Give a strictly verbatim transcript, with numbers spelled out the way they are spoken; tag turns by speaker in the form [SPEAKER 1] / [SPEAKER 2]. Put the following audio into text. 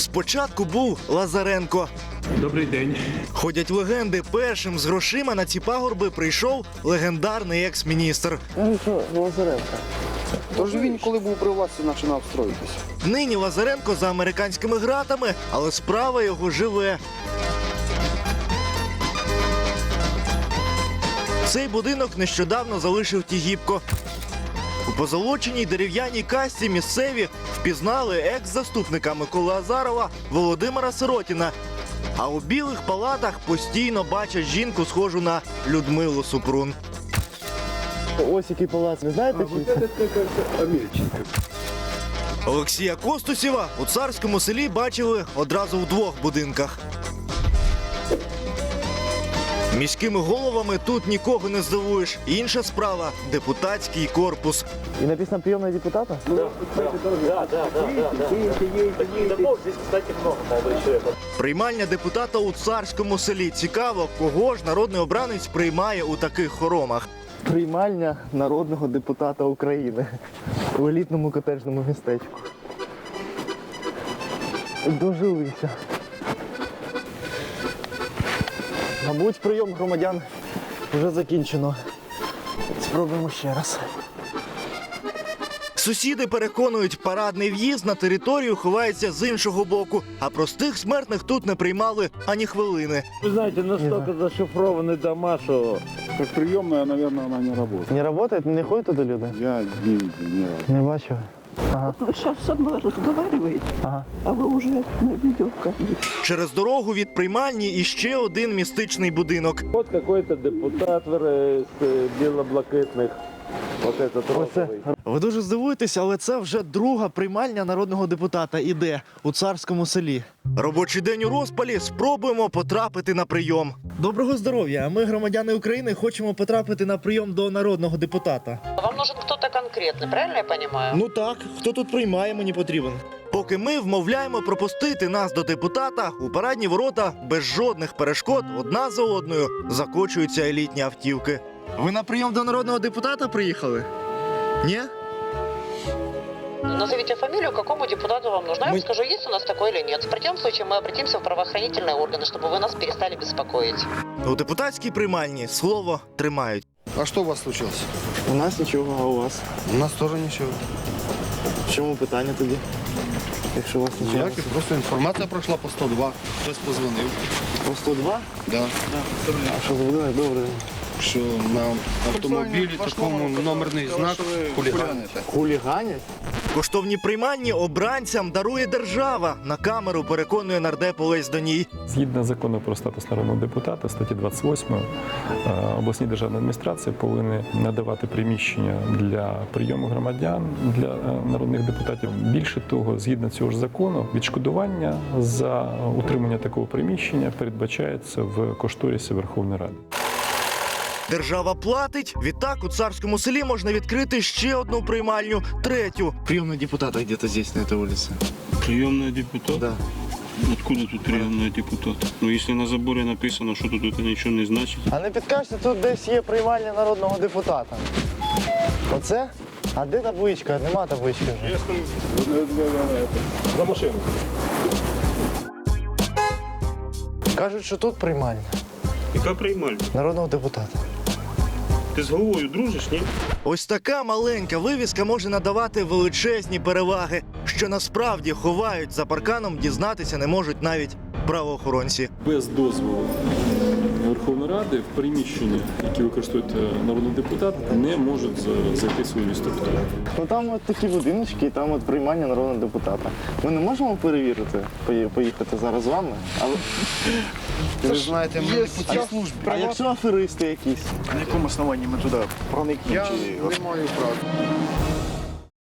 [SPEAKER 1] Спочатку був Лазаренко.
[SPEAKER 2] Добрий день.
[SPEAKER 1] Ходять легенди, першим з грошима на ці пагорби прийшов легендарний екс-міністр.
[SPEAKER 3] Ну що, Лазаренко?
[SPEAKER 4] Тож він, коли був при власті, починав строїтися.
[SPEAKER 1] Нині Лазаренко за американськими ґратами, але справа його живе. Цей будинок нещодавно залишив Тігіпко. У позолоченій дерев'яній касці місцеві впізнали екс-заступника Миколи Азарова Володимира Сиротіна. А у білих палатах постійно бачать жінку, схожу на Людмилу Супрун.
[SPEAKER 3] Ось який палац, ви знаєте?
[SPEAKER 1] Олексія Костусєва у Царському селі бачили одразу в двох будинках. Міськими головами тут нікого не здивуєш. Інша справа – депутатський корпус.
[SPEAKER 3] І написано «Прийомна депутата»?
[SPEAKER 1] Приймальня депутата у Царському селі. Цікаво, кого ж народний обранець приймає у таких хоромах.
[SPEAKER 3] Приймальня народного депутата України у елітному котеджному містечку. Дожилися. Мабуть, прийом громадян вже закінчено. Спробуємо ще раз.
[SPEAKER 1] Сусіди переконують, парадний в'їзд на територію ховається з іншого боку, а простих смертних тут не приймали ані хвилини.
[SPEAKER 5] Вы знаете, настолько зашифрованы дома, что...
[SPEAKER 4] Как приемная, наверное, она не работает.
[SPEAKER 3] Не працює? Не ходять туди люди?
[SPEAKER 4] Я не видел ни разу.
[SPEAKER 3] Не бачив. Ага.
[SPEAKER 6] Вы сейчас со мной разговариваете,
[SPEAKER 3] Ага.
[SPEAKER 6] а вы уже на видеокамере.
[SPEAKER 1] Через дорогу від приймальні іще один містичний будинок.
[SPEAKER 5] Вот какой-то депутат э, с э, белоблакитных. Вот этот
[SPEAKER 3] Оце.
[SPEAKER 5] розовый.
[SPEAKER 1] Ви дуже здивуєтеся, але це вже друга приймальня народного депутата іде у Царському селі. Робочий день у розпалі, спробуємо потрапити на прийом. Доброго здоров'я! Ми, громадяни України, хочемо потрапити на прийом до народного депутата.
[SPEAKER 7] Вам нужен кто-то конкретный, правильно я понимаю?
[SPEAKER 1] Ну так, хто тут приймає, мені потрібен. Поки ми вмовляємо пропустити нас до депутата, у парадні ворота без жодних перешкод одна за одною закочуються елітні автівки. Ви на прийом до народного депутата приїхали? Ні?
[SPEAKER 7] Назовите фамилию, какому депутату вам нужно. Я
[SPEAKER 1] Мы-
[SPEAKER 7] вам скажу, есть у нас такой или нет. В противном случае мы обратимся в правоохранительные органы, чтобы вы нас перестали беспокоить.
[SPEAKER 1] У депутатській приймальні слово тримають.
[SPEAKER 4] А что у вас случилось?
[SPEAKER 3] У нас нічого, а у вас?
[SPEAKER 4] У нас тоже ничего.
[SPEAKER 3] В чому питання тоді? Якщо у вас нічого.
[SPEAKER 4] Ніяких, просто інформація пройшла по сто два. Хтось позвонив.
[SPEAKER 3] По сто два?
[SPEAKER 4] Да.
[SPEAKER 3] А що зробили? Добре.
[SPEAKER 4] Що на автомобілі такому номерний знак хуліганите.
[SPEAKER 3] Хуліганять?
[SPEAKER 1] Коштовні приймальні обранцям дарує держава. На камеру переконує нардеп Олесь Доній.
[SPEAKER 8] Згідно закону про статус народного депутата, статті двадцять восьмої, е, обласні державні адміністрації повинні надавати приміщення для прийому громадян, для е, народних депутатів. Більше того, згідно цього ж закону, відшкодування за утримання такого приміщення передбачається в кошторисі Верховної Ради.
[SPEAKER 1] Держава платить. Відтак у Царському селі можна відкрити ще одну приймальню, третю.
[SPEAKER 3] Приемный депутат где-то здесь, на этой улице.
[SPEAKER 2] Приемный депутат?
[SPEAKER 3] Да.
[SPEAKER 2] Откуда тут приемный депутат? Ну, если на заборе написано, что тут это ничего не значит.
[SPEAKER 3] А не підкажете, тут десь є приймальня народного депутата. Оце? А де табличка? Нема таблички вже.
[SPEAKER 5] За машину.
[SPEAKER 3] Кажуть, що тут приймальня
[SPEAKER 2] Яка приймальня?
[SPEAKER 3] народного депутата.
[SPEAKER 2] Ти з головою дружиш, ні?
[SPEAKER 1] Ось така маленька вивіска може надавати величезні переваги, що насправді ховають за парканом, дізнатися не можуть навіть правоохоронці.
[SPEAKER 8] Без дозволу Верховної Ради в приміщення, які використовують народні депутати, не можуть зайти свою структуру.
[SPEAKER 3] Ну там от такі будиночки, і там от приймальня народного депутата. Ми не можемо перевірити, пої- поїхати зараз з вами? А, ви-
[SPEAKER 4] Ви знаєте, ми по службі.
[SPEAKER 3] а якщо аферисти якісь?
[SPEAKER 4] Я не маю права.